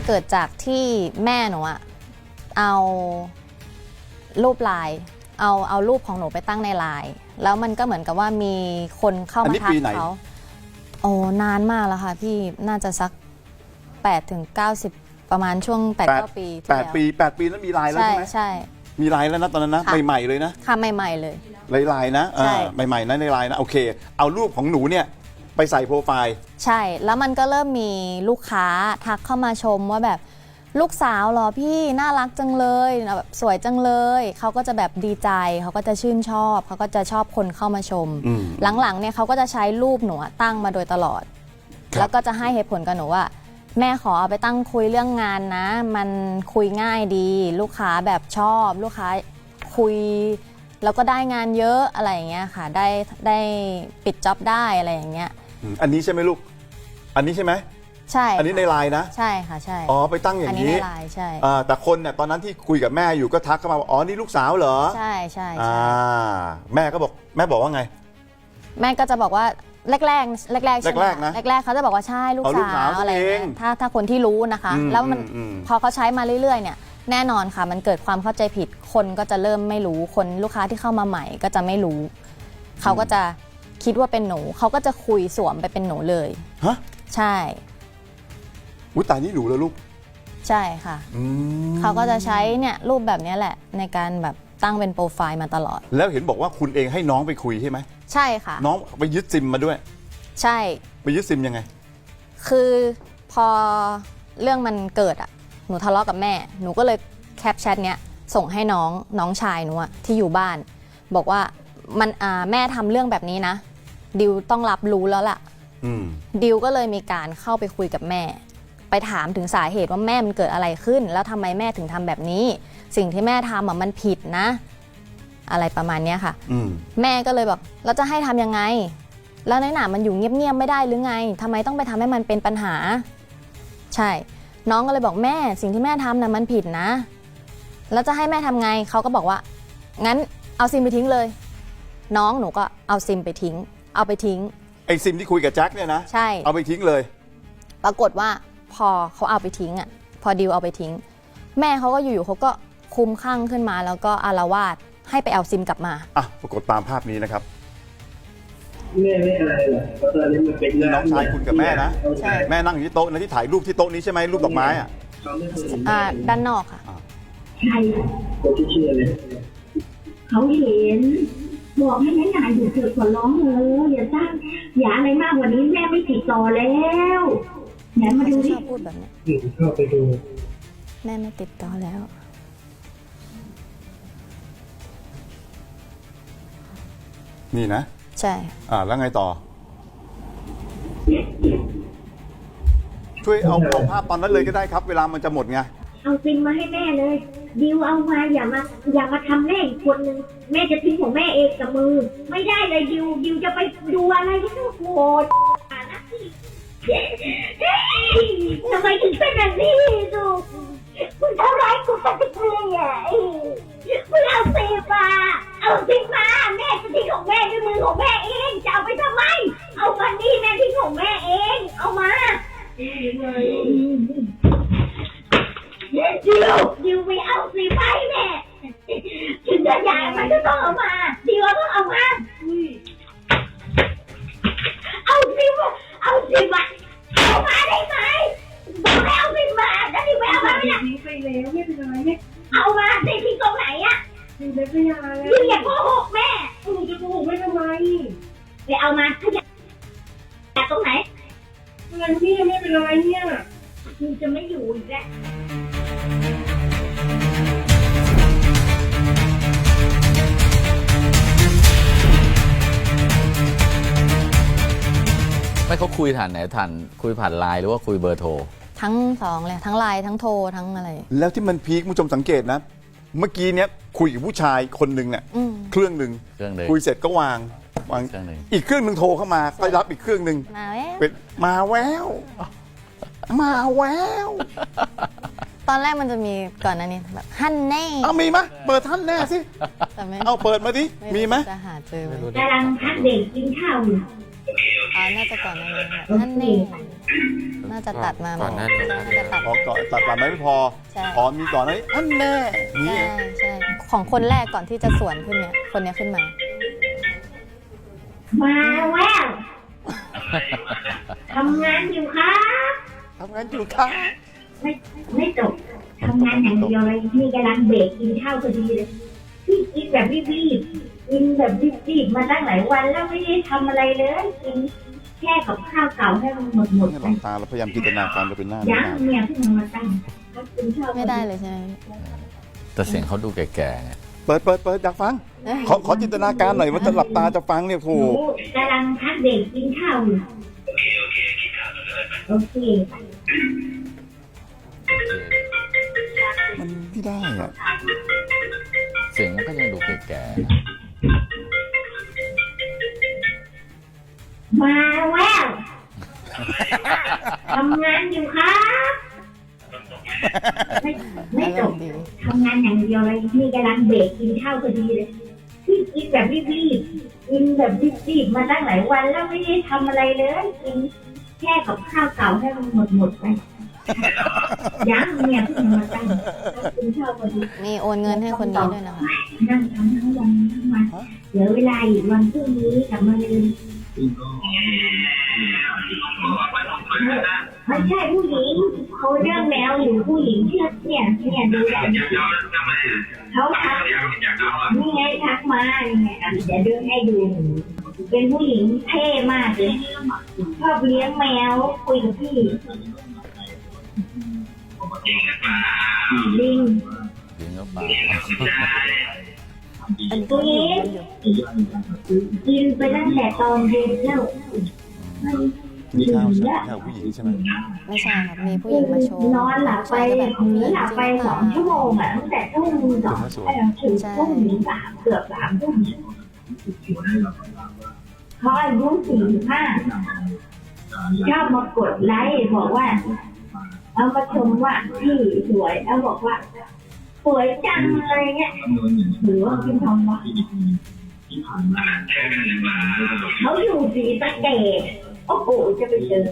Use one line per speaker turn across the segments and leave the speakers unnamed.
เกิดจากที่แม่หนูอะเอารูปไลน์เอารูปของหนูไปตั้งในไลน์แล้วมันก็เหมือนกับว่ามีคนเข้ามาทักเขาโอ้นานมากแล้วค่ะพี่น่าจะสัก8 ถึง 90ประมาณช่วง8-9 ปีที่แล้ว
8 ปีนั้นมีไลน์แล้วใช่ไหม
ใช่
มีไลน์แล้วนะตอนนั้นนะใหม่ๆเลยนะ
ค่ะใหม่ๆเลย
ไลน์นะใหม่ๆนะในไลน์นะโอเคเอารูปของหนูเนี่ยไปใส่โปรไฟล์
ใช่แล้วมันก็เริ่มมีลูกค้าทักเข้ามาชมว่าแบบลูกสาวเหรอพี่น่ารักจังเลยแบบสวยจังเลยเขาก็จะแบบดีใจเขาก็จะชื่นชอบเขาก็จะชอบคนเข้ามาชมหลังๆเนี่ยเขาก็จะใช้รูปหนูตั้งมาโดยตลอดแล้วก็จะให้เหตุผลกับหนูว่าแม่ขอเอาไปตั้งคุยเรื่องงานนะมันคุยง่ายดีลูกค้าแบบชอบลูกค้าคุยแล้วก็ได้งานเยอะอะไรอย่างเงี้ยค่ะได้ปิดจ็อบได้อะไรอย่างเงี้ย
อันนี้ใช่ไหมลูกอันนี้ใช่ไหม
ใช่
อันนี้ในไลน์นะ
ใช่ค่ะใช่
อ๋อไปตั้งอย่างนี้
อันนี้ในไลน์ใช่
แต่คนเนี่ยตอนนั้นที่คุยกับแม่อยู่ก็ทักเข้ามาว่าอ๋อนี่ลูกสาวเหรอ
ใช่ใช่
แม่ก็บอกแม่บอกว่าไง
แม่ก็จะบอกว่าแรกใช่ไหม
นะ
แรกเขาจะบอกว่าใช่ลูกสาวอะไรเงี้ยถ้าคนที่รู้นะคะแล้วมันพอเขาใช้มาเรื่อยๆเนี่ยแน่นอนค่ะมันเกิดความเข้าใจผิดคนก็จะเริ่มไม่รู้คนลูกค้าที่เข้ามาใหม่ก็จะไม่รู้เขาก็จะคิดว่าเป็นหนูเขาก็จะคุยสวมไปเป็นหนูเลย
ฮะ
ใช่
อุ้ยตายนี่หนูเลยลูก
ใช่ค่ะเขาก็จะใช้เนี่ยรูปแบบนี้แหละในการแบบตั้งเป็นโปรไฟล์มาตลอด
แล้วเห็นบอกว่าคุณเองให้น้องไปคุยใช่ไหม
ใช่ค่ะ
น้องไปยึดซิมมาด้วย
ใช่
ไปยึดซิมยังไง
คือพอเรื่องมันเกิดอ่ะหนูทะเลาะกับแม่หนูก็เลยแคปแชทเนี้ยส่งให้น้องชายหนูอะที่อยู่บ้านบอกว่ามันแม่ทำเรื่องแบบนี้นะดิวต้องรับรู้แล้วล่ะดิวก็เลยมีการเข้าไปคุยกับแม่ไปถามถึงสาเหตุว่าแม่มันเกิดอะไรขึ้นแล้วทำไมแม่ถึงทำแบบนี้สิ่งที่แม่ทำอะมันผิดนะอะไรประมาณนี้ค่ะแม่ก็เลยบอกเราจะให้ทำยังไงแล้วในหนามันอยู่เงียบๆไม่ได้หรือไงทำไมต้องไปทำให้มันเป็นปัญหาใช่น้องก็เลยบอกแม่สิ่งที่แม่ทำนะมันผิดนะแล้วจะให้แม่ทำไงเขาก็บอกว่างั้นเอาซิมไปทิ้งเลยน้องหนูก็เอาซิมไปทิ้งเอาไปทิ้ง
ไอซิมที่คุยกับแจ็คเนี่ยนะ
ใช่
เอาไปทิ้งเลย
ปรากฏว่าพอเขาเอาไปทิ้งอ่ะพอดิวเอาไปทิ้งแม่เขาก็อยู่ๆเขาก็คุ้มข้างขึ้นมาแล้วก็อาละวาดให้ไปเอาซิมกลับมา
ปรากฏตามภาพนี้นะครับ
แม่ไม่อะไรหรอกเพราะตอนนี้มันเป็น
น้องชายคุณกับแม่นะแม่นั่งอยู่ที่โต๊ะนะที่ถ่ายรูปที่โต๊ะนี้ใช่ไหมรูปดอกไม้
ด้านนอกค่ะ
ใช่คนที่เชื่อเลย
เขาเห็นบอกให้แม่นายอยู่เถอะขอร้องเลยอย่าสร้างอย่าอะไรมากกว่านี้แม่ไม่ติดต่อแล้วไหนมาดูดิ
พูดแบบนี้
เข้าไปดู
แม่ไม่ติดต่อแล้ว
นี่นะ
ใช่
แล้วไงต่อช่วยเอาภาพตอนนั้นเลยก็ได้ครับเวลามันจะหมดไง
เอาซิมมาให้แม่เลยดิวเอามาอย่ามาทำแม่อีกคนนึงแม่จะทิ้งของแม่เองกับมือไม่ได้เลยดิวจะไปดูอะไรที่นู่นโหดนะทำไมถึงเป็นแบบนี้ลูกคุณทำร้ายกูสักทีอ่ะคุณเอาซิมมาแม่จะทิ้งของแม่ด้วยมือของแม่เองจะเอาไปทำไมเอามานี่แม่ทิ้งของแม่เองเอามาดิวไม่เอาสิไปแม่ถึงจะใหญ่มันก็ต้องเอามาดิวต้องเอามาเอาสิมาเอามาได้ไหมบอกให้เอาสิมาแล้วดิวไม่เอามาไม่ได้
ไปแล้วไม่เป็นไรไม่
เอามาสิที่ตรงไหนอะ
ดิวไม่เป็นไร
ดิวอย่าโกหกแม่
จะโกหกไม่ทำไม
ไปเอามาขยับตรงไหน
อะไรนี่ไม่เป็นไรเนี่ย
ดิวจะไม่อยู่อีกแล้ว
ไม่เขาคุยผ่านไหนคุยผ่านไลน์หรือว่าคุยเบอร์โทร
ทั้งสองเลยทั้งไลน์ทั้งโทรทั้งอะไร
แล้วที่มันพีคผู้ชมสังเกตนะเมื่อกี้เนี้ยคุยกับผู้ชายคนหนึ่งเนี่ยเครื่องหนึ่งคุยเสร็จก็วางอีกเครื่องหนึ่งโทรเข้ามาก็รับอีกเครื่องหนึ่งมาแวว
ตอนแรกมันจะมีก่อนหน้านี้แบบฮั่นแน่
มีไหมเปิดท่านแน่สิเอาเปิดมาดิมีไหม
จะหาเจอไหม
กำลังพักเด็กกินข้าวอยู่
น่าจะก่อนหน้านี้ฮั่นแน่น่าจะตัดมา
ก่อนหน้านี้
น่าจะตัด
พอก่อนตัดมาไม่พอ
ใช่
พอมีก่อนนั้นอันแน่นี่
ใช่ของคนแรกก่อนที่จะสวนขึ้นเนี่ยคนเนี้ยขึ้นมา
มาแล้วทำงานอยู่ครับ
ทำงานอยู่ค่ะ
ไม่จบทำงานอย่างเดียวเลยนี่กำลังเบรกกินข้าวพอดีเลยพี่กินแบบรีบๆกินแบบรีบๆมาตั้งหลายวันแล้วไม่ได้ทำอะไรเลยกินแค่กับข้าวเก่าให้มันหมด
ให้
ไป
หลับตาแล้วพยายามจินตนาการไปเป็นหน้า
ยังเนี่ยเพิ่งมาตั้งก็กินข้าว
ไม่ได้เลยใช่ไหม
แต่เสียงเขาดูแก่ๆไง
เปิดอยากฟัง ขอจินตนาการหน่อยว่าจะหลับตาจะฟังเนี่ยโห
หนูกำลังพักเบรกกินข้าวอยู่โอเค
มันไม่ได้อะ
เสียงมันก็ยังดูแก่
มาแล้วทำงานอยู่ครับไม่จบทำงานอย่างเดียวเลยนี่กำลังเบรกกินข้าวพอดีเลยพี่กินแบบรีบๆกินแบบรีบๆมาตั้งหลายวันแล้วไม่ได้ทำอะไรเลยกินแค่กับข้าวเก่าให้มันหมดไปยังเนี่ยเพิ่งมาตั้งก็กินข้าวพอดี
มีโอนเงินให้คนนี้ด้วยนะคะ
นั่งทำทั้งวันทั้งวันเหลือเวลาอีกวันพรุ่งนี้กับมาลืนไม่ใช่ผู้หญิงเขาเรื่องแมวอยู่ผู้หญิงเชื่อเนี่ยดูแลเขาทักนี่ไงทักมาเนี่ยเดี๋ยวดูให้ดู เป็นผู้หญิงเท่มากเลยชอบเลี้ยงแมวคุยกับพี่ลิง
ๆจริงหรือเปล่า
ตัวนี้กินไปตั้งแต่ตอนเย็นแล้ว
มีข้าวใช่ไหมข้าวผู้หญิงใช่ไหม
ไม่ใช่ครับมีผู้หญิงมาโชว์
นอนหลับไป
แบบ
หลับไป2 ชั่วโมงอ่ะตั้งแต่ทุ่ม2ถึงทุ่มถึง3เกือบ3 ทุ่มเขาอายุ45ชอบมากดไลค์บอกว่าเอามาชมว่าพี่สวยแล้วบอกว่าสวยจังอะไรเงี้ยหรือว่าพี่ทองวะเขาอยู่ศรีสะเกษโอ้โหจะไปเจอ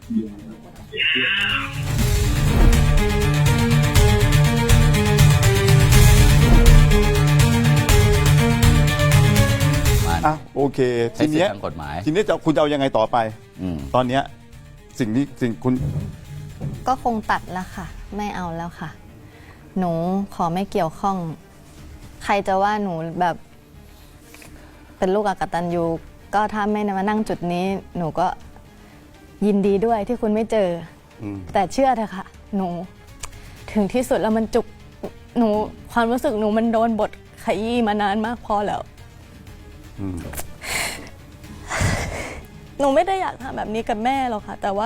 อ่ะโอเค
ใช้
ที
สิท
เนี้ย
ธิ์ทางกฎหมาย
ทีนี้คุณจะเอายังไงต่อไป
อืม
ตอนเนี้ยสิ่งคุณ
ก็คงตัดแล้วค่ะ ไม่เอาแล้วค่ะ หนูขอไม่เกี่ยวข้อง ใครจะว่าหนูแบบเป็นลูกอกตัญญูก็ถ้าไม่มานั่งจุดนี้ หนูก็ยินดีด้วยที่คุณไม่เจอ แต่เชื่อเถอะค่ะ หนูถึงที่สุดแล้วมันจุกหนูความรู้สึกหนูมันโดนบทขยี้มานานมากพอแล้วหนูไม่ได้อยากทำแบบนี้กับแม่หรอกค่ะ แต่ว่า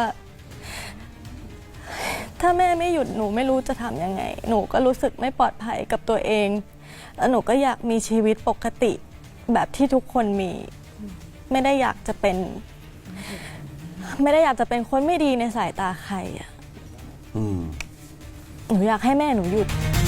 ถ้าแม่ไม่หยุดหนูไม่รู้จะทำยังไง หนูก็รู้สึกไม่ปลอดภัยกับตัวเอง แล้วหนูก็อยากมีชีวิตปกติแบบที่ทุกคนมี ไม่ได้อยากจะเป็นคนไม่ดีในสายตาใครอ่ะหนูอยากให้แม่หนูหยุด